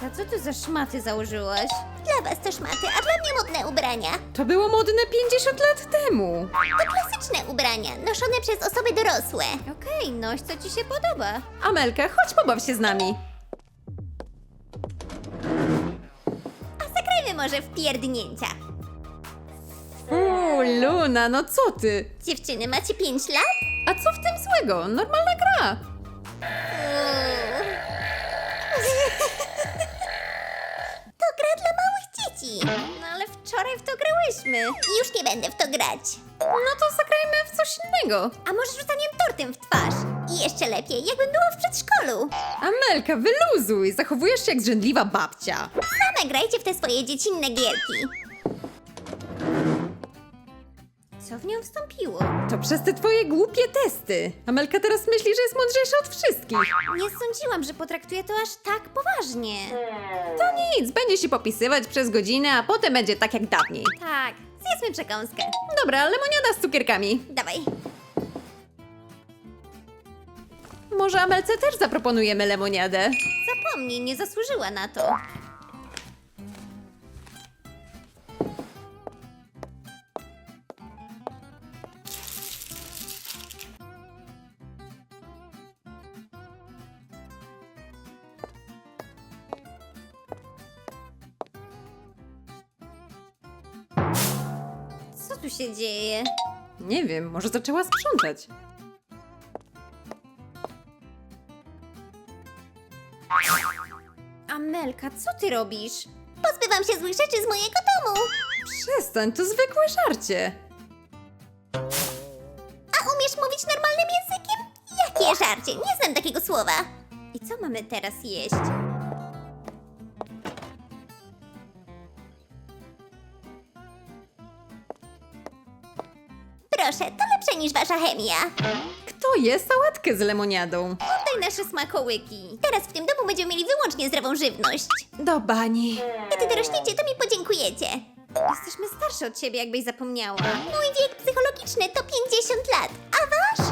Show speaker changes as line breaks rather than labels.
Amelka, co ty za szmaty założyłaś?
Dla was to szmaty, a dla mnie modne ubrania.
To było modne 50 lat temu.
To klasyczne ubrania, noszone przez osoby dorosłe.
Okej, noś co ci się podoba.
Amelka, chodź pobaw się z nami.
A zagrajmy może w pierdnięcia.
Luna, no co ty?
Dziewczyny, macie 5 lat?
A co w tym złego? Normalna gra.
To gra dla małych dzieci.
No ale wczoraj w to grałyśmy.
Już nie będę w to grać.
No to zagrajmy w coś innego.
A może rzucaniem tortem w twarz? I jeszcze lepiej, jakbym była w przedszkolu.
Amelka, wyluzuj. Zachowujesz się jak zrzędliwa babcia.
Same grajcie w te swoje dziecinne gierki.
Co w nią wstąpiło?
To przez te twoje głupie testy. Amelka teraz myśli, że jest mądrzejsza od wszystkich.
Nie sądziłam, że potraktuje to aż tak poważnie.
To nic, będzie się popisywać przez godzinę, a potem będzie tak jak dawniej.
Tak, zjedzmy przekąskę.
Dobra, lemoniada z cukierkami.
Dawaj.
Może Amelce też zaproponujemy lemoniadę?
Zapomnij, nie zasłużyła na to. Co tu się dzieje?
Nie wiem, może zaczęła sprzątać.
Amelka, co ty robisz?
Pozbywam się złych rzeczy z mojego domu.
Przestań, to zwykłe żarcie.
A umiesz mówić normalnym językiem? Jakie żarcie? Nie znam takiego słowa.
I co mamy teraz jeść?
Proszę, to lepsze niż wasza chemia.
Kto je sałatkę z lemoniadą?
Oddaj nasze smakołyki.
Teraz w tym domu będziemy mieli wyłącznie zdrową żywność.
Do bani.
Kiedy dorośniecie, to mi podziękujecie.
Jesteśmy starsze od ciebie, jakbyś zapomniała.
Mój wiek psychologiczny to 50 lat, a wasz?